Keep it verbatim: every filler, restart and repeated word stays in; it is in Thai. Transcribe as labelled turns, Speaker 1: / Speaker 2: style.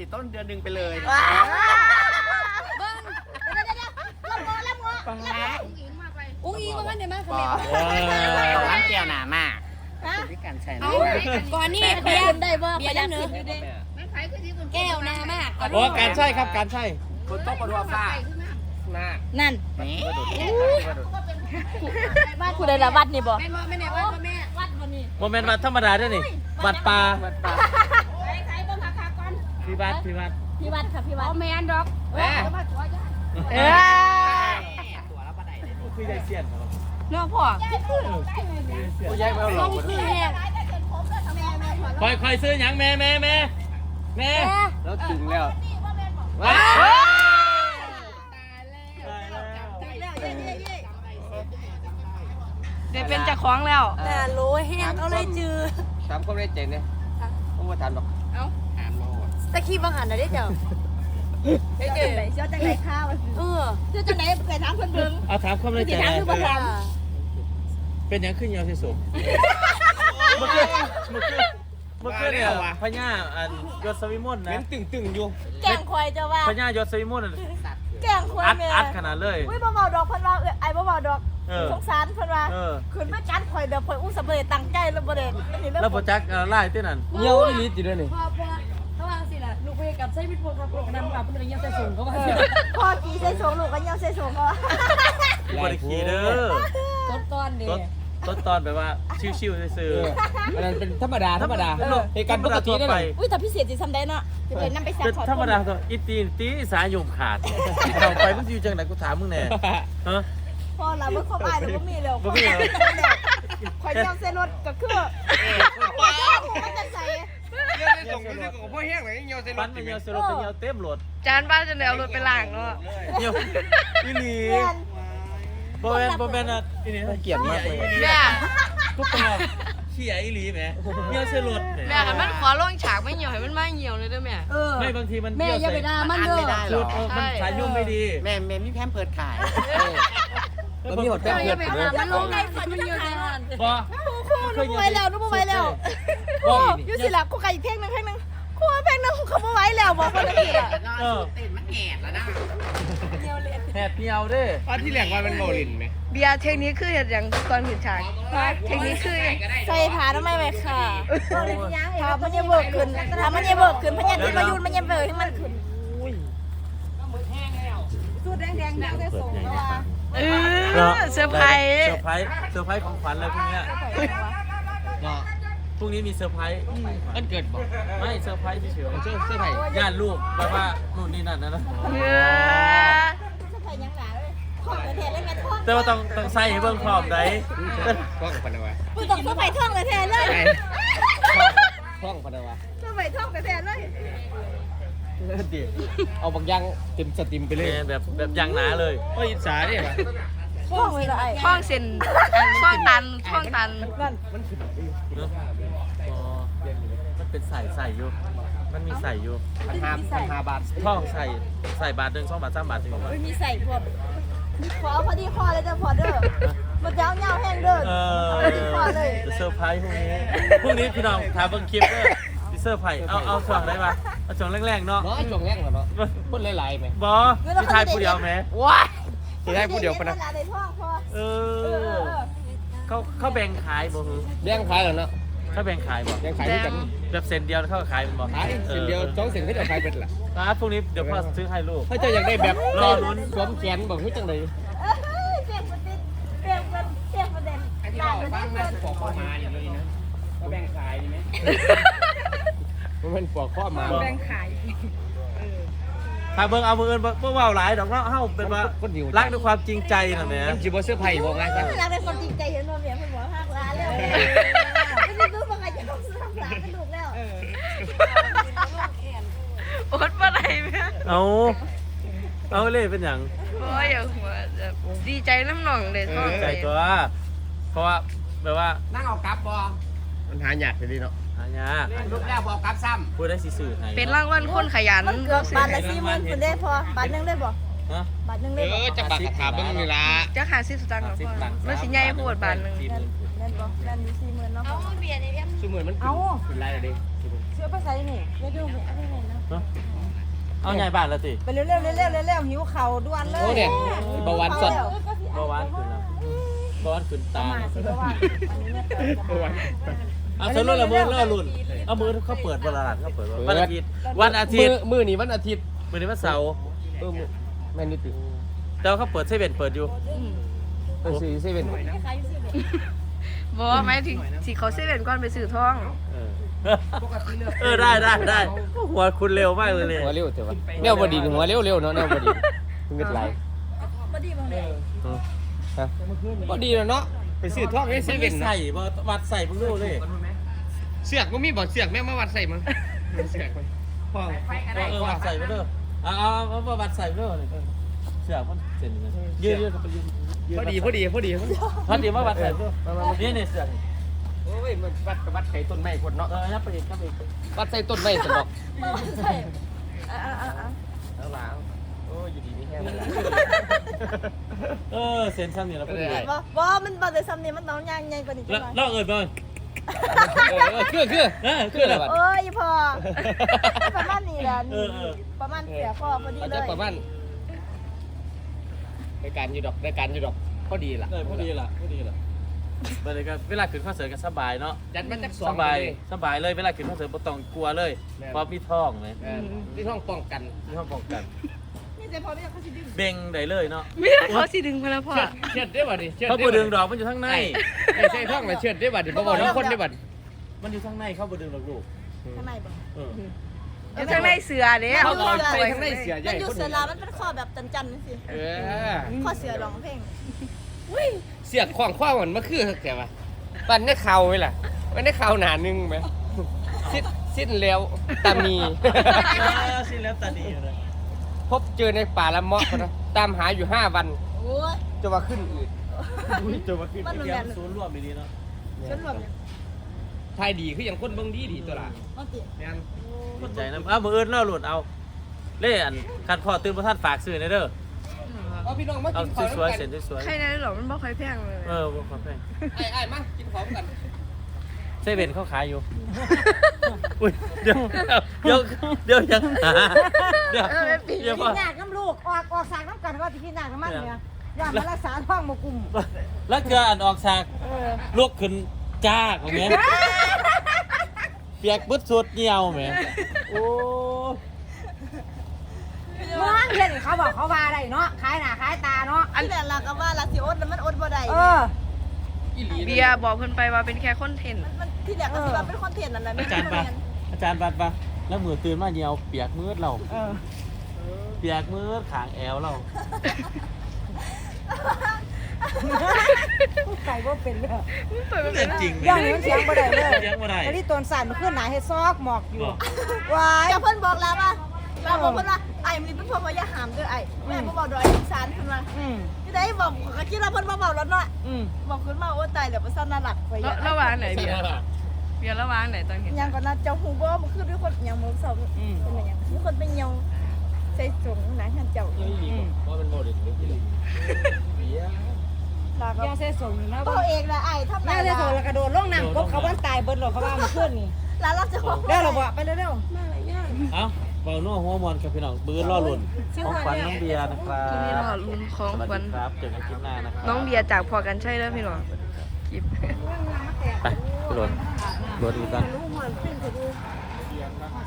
Speaker 1: สิต้นเดือนหนึ่งไปเลย
Speaker 2: เบิ้งเดี๋ยวเดี๋ยวเดี๋ยวลำงอลำงออุ้งอิงมากันเดี๋ยวมาคอมเมนต์
Speaker 1: ร้านแก้วหนามากด้วยกันใช่ไหม
Speaker 2: ก่อนนี่เบียร์ได้บ่เบียร์ได้เนื้อแก้วนามาก
Speaker 3: โอ้การใช่ครับการใช่
Speaker 1: คนโต๊ะกระดัวฟ้าหน้า
Speaker 2: นั่น
Speaker 1: นี่
Speaker 2: บ้านคุณได้ละวัดนี่บ่แม่บ่แม่วัดบ่แม่วัดบ่นี่
Speaker 3: โมเมนต์วัดธรรมดาด้วยนี่วัดป่า
Speaker 1: วัดป่า
Speaker 2: ใครบ่ค่ะก่อน
Speaker 3: พี่วัดพี่วัด
Speaker 2: พี่วัดค่ะพี่วัดอ๋อแม่นดอก
Speaker 1: แม่
Speaker 2: เอ้ย
Speaker 1: ตัวแล้วปะไหนเลย
Speaker 3: คือยายเสียน
Speaker 2: น้องพ่อ
Speaker 1: โอ้ยายไม่เอาหล
Speaker 2: ต้
Speaker 1: อ
Speaker 2: อก งคือแห้ง
Speaker 3: คอยคอยซื้อหยังแม่แม่แม่แม่
Speaker 1: แล้วถึงแล้ว
Speaker 3: ว้า
Speaker 2: เดี๋ยวเป็นเจ้าของแล้วแต่โลแห้งเขาเลยจือ
Speaker 1: ตามเขาได้เจ๋งเนี่ยต้องมาถามหรอก
Speaker 2: เอ้า
Speaker 1: ถามเรา
Speaker 2: ตะขี้บังหันน่ะเด้เจ้าเจ้าจังไหนเจ้าจังไหนข้าวเออเจ้าจังไหนเคยถามคนเบิ่ง
Speaker 3: เอาถามความในใจ
Speaker 2: ถามคือบ่ถาม
Speaker 3: เป็นยังขึ้นยาวที่สุดเมื่อคืนเมื่อคืนเมื่อคืนเนี่ยพญาอันยศวิมลนะ
Speaker 1: ตึงตึงอยู่
Speaker 2: แกงควายเจ้าว่า
Speaker 3: พญายศวิมล
Speaker 2: แกงควาย
Speaker 3: อัด
Speaker 2: แม่
Speaker 3: อัดขนาดเลย
Speaker 2: อุ้ยบ่เบาดอกเพิ่นว่าเอ้ยไอ้บ่เบาดอก
Speaker 3: เออ
Speaker 2: สงสารเพิ่นว่า
Speaker 3: เออ
Speaker 2: ขึ้นมาจัดข่อยแบบข่อยอุ้มสำเร็จตั้งใจแล้วบ่ได้อันนี้เรื่อง
Speaker 3: แล้วโปรจักไล่เต้นนั่น
Speaker 1: เยี่ยวนี่จีด้วยนี่
Speaker 4: พอพอเขาว่าสิล่ะลูกไปกับไส้พิษพวกครับพวกนำกับเป็นอะไรเงี้ยใส่สูงเขาว่าสิ
Speaker 2: พ่อกี่ใส่สูงลูกก็ยังใส่สูงเขา
Speaker 3: บริขีเด้อ
Speaker 4: ต้นก้อนเนี่
Speaker 3: ต้น
Speaker 4: ย
Speaker 3: ต้นตอนแบบว่าชิวๆซื่อ
Speaker 1: อันนั้นเป็นธรรมดาธรรมดาเหตุการณ์ปกตินั่น
Speaker 3: ไป
Speaker 1: แหละ
Speaker 2: อุ้ยแต่พิเศษสิทำได้เนาะจะไปนำไปซัก
Speaker 3: เป็น
Speaker 2: ขอ
Speaker 3: ธรรมดาตัวอีตีนตีสายโยมขาดเราไปมึงอยู่จังไหนกูถามมึงแน่ฮะ
Speaker 2: พ่อเราบ่ครบอ้ายแล้วบ่มีแล้ว
Speaker 3: บ่มีแล้ว
Speaker 2: ข่อยยังใส่รถก็คือมันจะใส่
Speaker 1: เยี่ยวในส่งนี่ของพ่อแห้งไหนเยี่ยวในร
Speaker 3: ปั้น
Speaker 1: ถ
Speaker 3: มันเหี่ยวสรุปเป็นเหี่ยวเต็มรถ
Speaker 4: จานบ้านจะแล้วรถไปล้างเนาะ
Speaker 3: เหี่ยวอีหลี
Speaker 2: เรียน
Speaker 3: บ่แม่นบ่แม่นอ่ะอีนี่เกลียดมากเลย
Speaker 4: แม่
Speaker 3: กูเป็นว่าเขี้ยอีหลีแหมเหี่ยวใส่รถ
Speaker 4: แม่กันมันขอลงฉากไม่เหี่ยวให้มันมาเหี่ยวเลยเด้อแม่
Speaker 2: เออ
Speaker 3: ไม่บางทีมัน
Speaker 4: แม่อย่าไปด่ามันเด้อ
Speaker 1: ไม่ได้หร
Speaker 3: ชุ
Speaker 1: อ
Speaker 3: ดมันสายยุ่งไม่ดี
Speaker 1: แม่แม่มีแพมเพิร์ดขาย
Speaker 3: แล้วมีหดแป้ง
Speaker 4: อย่าไป
Speaker 3: เผ็ด
Speaker 4: หามันลงไงมันเหี่ยวในหัน
Speaker 3: บ่
Speaker 2: ครูครูหนูบ่ไหวแล้วหนูบ่ไหวแล้วครูอยู่สิล่ะครูไก่อีกเพลงนึงเพลงนึงครูเพลงนึงเขาบ่ไหวแล้วบอกคนนี้ล่ะ
Speaker 3: เออ
Speaker 1: เต้นมันแหบแล้วนะ
Speaker 3: แหบเหี่ยวเด้
Speaker 1: ตอนที่แหลกว่าเป็นโมลินไหม
Speaker 4: เบียร์เทคนิคคือเห็ดอย่างตอนผิดฉากเทคนิคคือ
Speaker 2: ใส่ผ้าทำไมไว้ค่ะถ้ามันยังเบิกขึ้นถ้ามันยังเบิกขึ้นพญาที่มายุนมันยังเบิกให้มันขึ้นสูดแดงๆดังได้ส่งแล้วว่า
Speaker 4: เออเซอร์ไพรส์
Speaker 3: เซอร์ไพรส์เซอร์ไพรส์ของขวัญเลยพรุ่งนี้พรุ่งนี้มีเซอร์ไพรส์
Speaker 1: มันเกิดบอก
Speaker 3: ไม่เซอร์ไพรส์เฉย
Speaker 1: เสื้อเสื้อไผ่
Speaker 3: ๆญาติลูกแบบว่านู่นนี่นั่นนะนะ
Speaker 4: เออ
Speaker 2: ใส่ยังหนาเลยท่องเลยแทนเลยแม่ท่อง
Speaker 3: แต่ว่าต้องต้องใส่ให้เบิ่งพร้อมได้
Speaker 1: ท่องพันวะ
Speaker 2: กูต้องเข้าไปท่องเลยแทนเลย
Speaker 1: ท่องพันวะ
Speaker 2: เข้าไปท่องไปแทนเลย
Speaker 1: ดีเอาบางอย่างเต็มสติมไปเลย
Speaker 3: แบบแบบยางหนาเลย
Speaker 1: โอ้ยอิจฉาเนี่ย
Speaker 2: ท่องเลยละไอ้
Speaker 4: ช่องเส้นช่องตันช่องตัน
Speaker 1: มันคือ
Speaker 3: เนอะอ๋อมันเป็นใส่ใส่อยู่ มันมีใส่อยู่
Speaker 1: พันห้าพันห้าบาท
Speaker 3: ท่องใส่ใส่บาทหนึ่งสองบาทสามบาทถึง
Speaker 2: ไม่มีใส่พวกขอพอดีคอเลยจะพอเด้อมันยาวเงาแห้งเด้อ
Speaker 3: เออ
Speaker 2: พอดีคอเลย
Speaker 3: จะเซอร์ไพรส์พรุ่งนี้พรุ่งนี้พี่น้องถามเบิ่งคลิปเด้อสิเซอร์ไพรส์เอาเอาช่วงได้ปะเอาช่วงแรกๆเนาะ
Speaker 1: เนาะช่วงแรกเหรอเนาะพูดหลายๆไหม
Speaker 3: บอพี่ทายผู้เดียวไหม
Speaker 4: ว้า
Speaker 1: จะได้พูดเดียวกันนะ
Speaker 2: ในท่องพอ
Speaker 3: เออเขาเขาแบ่งขายบ่ฮึ
Speaker 1: แบ่งขายเหรอเนาะ
Speaker 3: เขาแบ่งขายบ่
Speaker 1: แบ่งขายด้วยกัน
Speaker 3: แบบเซนเดียวเขาก็ขายเป็นบ่
Speaker 1: ขายเส้นเดียวสองเส้นก็จะขายเป็นละ
Speaker 3: ร้านพวกนี้เดี๋ยวพ่อซื้อให้ลูก
Speaker 1: ถ้าเจ้าอยากได้แบบ
Speaker 3: รอลุ้น
Speaker 1: สวมแขนบอกให้จังเลย
Speaker 2: เอ้ยเปลี่ยนประเด็นเปลี่ยนประเปลี่ยนประเด็นต่างประเด็นเพิ่น
Speaker 1: ปอกข้อมาอย่างนี้นะก็แบ่งขายดีไหมมันเป็นปอกข้อมา
Speaker 4: แบ่งขาย
Speaker 3: ถ้าเบิ่งเอามืออื่นบ่บ่เว้าหลายดอกเนาะเฮาเป็นว่ารักด้วยความจริงใจน่ะแหม
Speaker 1: มันจีบเสื้อไผ่บอกไงซะ
Speaker 2: เวลาเป็นคนจริงใจเห็นว่าเมียเพิ่นบอกหักร้านแล้วไม่ได้รู้ว่าใครจะต้องซื้อหักร้านกระดูกแล้ว
Speaker 4: อดปะไรแม่
Speaker 3: เอาเอาเลยเป็นหยัง
Speaker 4: โอ้ยอย่าหัวแบบดีใจน้ำหน่องเลยท้อง
Speaker 3: ใจ
Speaker 4: เลย
Speaker 3: ตัวเพราะว่าแบบว่า
Speaker 1: นั่งเอากลับบอมันหาหยาดไปดิเนาะ
Speaker 3: หายาก
Speaker 1: ลูกแรกบอกกลับซ้
Speaker 3: พูดได้สิสื่อให้
Speaker 4: เป็นรางวัลคนขยัน
Speaker 2: มันเกือบบาทละสี่หมื่นคุณได้พอบาทหนึงได้บ่
Speaker 3: ฮะ
Speaker 2: บาทหนึง
Speaker 1: ำ
Speaker 2: ได้บ่
Speaker 1: จะบักกระถาเบิ้งนี่ละ
Speaker 4: จะหาสิบสตางค์ของพ่อแล้วสิใหญ่พูดบาทหนึ่ง
Speaker 3: สี่หมื่น
Speaker 2: นั่นบ่นั่นอยู่สี่หมื่นเนาะ
Speaker 1: สมือนมันขึ้นขึ้นไรเลยดิ
Speaker 2: สี่สื้อไปใส่นี่
Speaker 4: ไม่ดูไม่อะไรเลยนะ
Speaker 3: เนาะเอาใหญ่บ้านแล้วติ
Speaker 2: ไปเร็วๆเร็วๆเร็วๆหิวเข่าด่วนเลย
Speaker 5: โอ้เนี่ยเบาหวานสด
Speaker 3: เบาหวานขึ้นแล้วเบาหวานขึ้นตา
Speaker 2: มาสิเพราะว่าอันนี้เนี่ยจะมา
Speaker 3: เอาสรุปละมือแล้วรุ่นเอามือเขาเปิดวันละหลังเขาเปิดวันอาทิตย์วันอาทิตย์
Speaker 5: มือนี่วันอาทิตย์
Speaker 3: มื้อนี้วันเสาร์
Speaker 5: เออแม่นิติ
Speaker 3: แต่ว่าเขาเปิดเซเว่นเปิดอยู่
Speaker 5: เออสี่เซเว่น
Speaker 2: บอกว่าหมายถึงสิเขาเซเว่นก่อนไปซื้อทอง
Speaker 3: เออเออได้ได้ได้หัวคุณเร็วมากเลยเนี่ย
Speaker 5: หัวเร็วเถอะวะแนวบดีหัวเร็วเร็วเนาะแนวบดีเงินไหล
Speaker 2: บ่ดีบ่แม่
Speaker 5: ฮะบดีแล้วเนาะไปซื้อทองในเซเว่น
Speaker 3: ใส่บ่วัดใส่เพิ่งรู้เลย
Speaker 5: เสือกก็มีบ่เสือกแม่มาวัดใส่มั้งเสือกพ่อ
Speaker 3: เออเออวัดใส่ไปเด้อเอาเอาเอาเอาวัดใส่ไปเด้อนี่เสือกมันเส้นนี่ยืดยืดไปยืดยืด
Speaker 5: พอดีพอดีพอดี
Speaker 3: พอดีมาวัดใส่ไปเด้อนี่นี่เสือก
Speaker 5: โอ้ยมันวัดกับวัดไข่ต้นไม้คนเนาะ
Speaker 3: เออยับไปอีกยับไปอีก
Speaker 5: วัดใส่ต้นไม้สนอก
Speaker 2: ใช่อ่าๆ
Speaker 5: แล้วหลังโอ้ยอยู่ดีนี่แห้งเลย
Speaker 3: เออเส้นซ้ำนี่แล้วพอดี
Speaker 2: ๆบ่บ่มันบ่ได้ซ้ำนี่มันต้องย่างใหญ่กว่านี้จั
Speaker 3: แล้ว
Speaker 2: งหน่อย
Speaker 3: แล้วเอิญบ่
Speaker 5: เออคือคือ
Speaker 3: เออคืออะไร
Speaker 2: โอ้ยพอประมาณนี้แหละ
Speaker 3: เอ
Speaker 2: นี่
Speaker 3: อเออ
Speaker 2: ประมาณเสียพ่อพอดี
Speaker 5: อาจ
Speaker 2: เล
Speaker 5: จะ
Speaker 2: ย
Speaker 5: ประมาณรายการอยู่ดอกรายการอยู่ดอกพอดีล่ะ
Speaker 3: เออพอดีล่ะพอดีล่ะเวลาก็เวลาขึ้นคอนเสิร์ตก็สบายเนาะ
Speaker 5: จัดมาจากสอ
Speaker 3: ส
Speaker 5: ง
Speaker 3: บาย
Speaker 5: เลย
Speaker 3: สบายเลยเวลาขึ้นคอนเสิร์ตบ่ต้องกลัวเลยเพราะมีท้องเลย
Speaker 5: เออที่ห้องป้องกัน
Speaker 3: มีท้องป้องกัน
Speaker 2: นี่แต่พอไม่อยากเขาสิดึง
Speaker 3: เบ่งได้เลยเนาะ
Speaker 2: ไม่ได้เขาสิดึงพละพ่อ
Speaker 5: เชือดเชือดได้บ่ดิเชือด
Speaker 3: เขาบ่ดึงดอกมันอยู่ข้างใน
Speaker 5: ไอ้ใช่ท้องเลยเชือดได้บ่ดิบ่บอกน้องคนได้บ่ดิ
Speaker 3: มันอยู่ข้างในเขาบ่ดึงดอกลูก
Speaker 2: ข้างในบ่
Speaker 3: เออ
Speaker 2: อยู่ข้างในเสือเด้
Speaker 5: เขาเอาไปข้างในเสือใหญ่
Speaker 2: มันอยู่
Speaker 5: คน
Speaker 2: เสือลามันเป็นข้อแบบจันๆนี่สิ
Speaker 5: เออ
Speaker 2: ข้อเสือร้องเพลง
Speaker 5: เสียกขวางขว้างมันมาคือแต่ว่าปันได้เข่าไว้ล่ะมันได้เข่าหนานึงไหมสิ้นสิ้นแล้วตามี
Speaker 3: สิแล้วตาดีเลย
Speaker 5: พบเจอในป่าละเมาะนะตามหาอยู่ห้าวัน
Speaker 2: โอ้ย
Speaker 5: จะว่าขึ้นอืด
Speaker 3: อุ้ยจะมาขึ้น
Speaker 2: มันเหมือน
Speaker 3: เกี่ย
Speaker 2: กั
Speaker 3: วน ศูนย์รวมดีๆเนาะ
Speaker 2: ฉันรวมเนี่ย
Speaker 5: ทายดีคืออย่างคนเบิ่งดีดีตัวละ
Speaker 2: เอาติ
Speaker 5: แม่น
Speaker 3: สนใจนะอ้าวมืออื่นเล่าหลุดเอาเล่อันคันพ่อตื่นบ่ทันฝากซื้อในเด้อ
Speaker 5: เอาพี่น้องมา
Speaker 3: เอา
Speaker 5: กินข้าว
Speaker 3: สวยๆ
Speaker 5: กั
Speaker 3: เส้นสวย
Speaker 2: ใครได้หรอมันบ่ค่อยแพงเลย
Speaker 3: ๆเออบ่ขอแพง
Speaker 5: ไอ้ไอ้มากินข้าวกัน
Speaker 3: เซเว่นเขาขายอยู่ อุ้ยเดี๋ยวเดี๋ยวเดี๋ยวยังหาเดี๋ยวเดี๋ยว
Speaker 6: กิ
Speaker 3: พ่อน
Speaker 6: ยากน้ำลูกออกออกสากน้ำกันก็จะกินยากน้ำมันเนี่ยยามารักษาท้องมกุ่ม
Speaker 3: แล้วเกลืออันออกฉากลุกขึ้นจ้ากอย่างเงี้ยเปียกบึดสุดเหี่ยวแหมโอ้
Speaker 6: เมื่อเห็นเขาบอกเขาว่าได้เนาะขายหน้าขายตาเนาะ
Speaker 2: อันนี้ล่ะก็ว่าลาสิอดแล้วมันอดบ่ได้
Speaker 6: เออ
Speaker 5: อีหลี
Speaker 7: เบียร์บอกเพิ่นไปว่าเป็นแค่คอนเทนต์
Speaker 2: มันที่แรกก็สิว่าเป็นคอนเทนต์นั่นแหละ
Speaker 3: อาจารย์ปะอาจารย์บัดปะแล้วมือตื่นมาเหี่ยวเปียกมืดเรา
Speaker 6: เออ
Speaker 3: เปียกมืดขางแอวเรา
Speaker 6: ไก่ว่าเป็นเลย
Speaker 3: เป็นจริง
Speaker 6: ย่างนี้มันเสียงบ่ได้เลย
Speaker 3: เสียงบ่ได้
Speaker 6: อันนี้ตัวสั่นมันขึ้นหนาเฮ็ดซอกหมอกอยู่
Speaker 3: บอก
Speaker 6: วาย
Speaker 2: จะเพิ่นบอกแล้วว่าเราบอกเพิ่นว่าไอ้มันเป็นพวกว่าอย่าหามเด้อไอ้แม่บ่บอกดอกอีสานเพิ่นว่า
Speaker 6: อืม
Speaker 2: ที่ได้บอกก็คิดว่าเพิ่นบ่บอกแล้วเนาะ
Speaker 6: อืม
Speaker 2: บอกขึ้นมาโอ้ตายแล้วบ่ซั่นน่ารักไป
Speaker 7: แล้วระหว่างไหนเบียร์เบียร์ระหว่างไหนตอนเห็น
Speaker 2: ยังก่อนนะเจ้าฮู้บ่มันคือด้วยคนยังมื้อเช้าเป็นอย่างมีคนไปเหี่ยวใส่สงหนังหันเจ้า
Speaker 5: อีหลีเพราะมันโมเดลอีหลีเบียร์
Speaker 2: ลาก็
Speaker 6: ย่าเส้ส่งนะ
Speaker 2: บ่เอกละไอ้ทำ
Speaker 6: ย่า
Speaker 2: ได้
Speaker 6: เส้
Speaker 2: ละ
Speaker 6: ส่งแล้วกระโดดลงน้ำกบเขาบ้านตายเบิดหรอกเขาว่ามันขึ้นนี่
Speaker 2: แล้วเราจะบอก
Speaker 6: ได้หรอบ่ไปเร็ว
Speaker 3: เอ้าเบาโน่หัวมอนกับพี่น้องบื้อล่อหล่นของขวัญน้องเบียร์นะครับ
Speaker 7: ที่นี่รอลุ้นของ
Speaker 3: สวัส
Speaker 7: ขวัญ
Speaker 3: ดีครับเจอกันคลิปหน้านะครับ
Speaker 7: น้องเบียร์จากพอกันใช่แล้วพี่น้องคลิป
Speaker 3: ไปขึ้นรถรถอีกกัน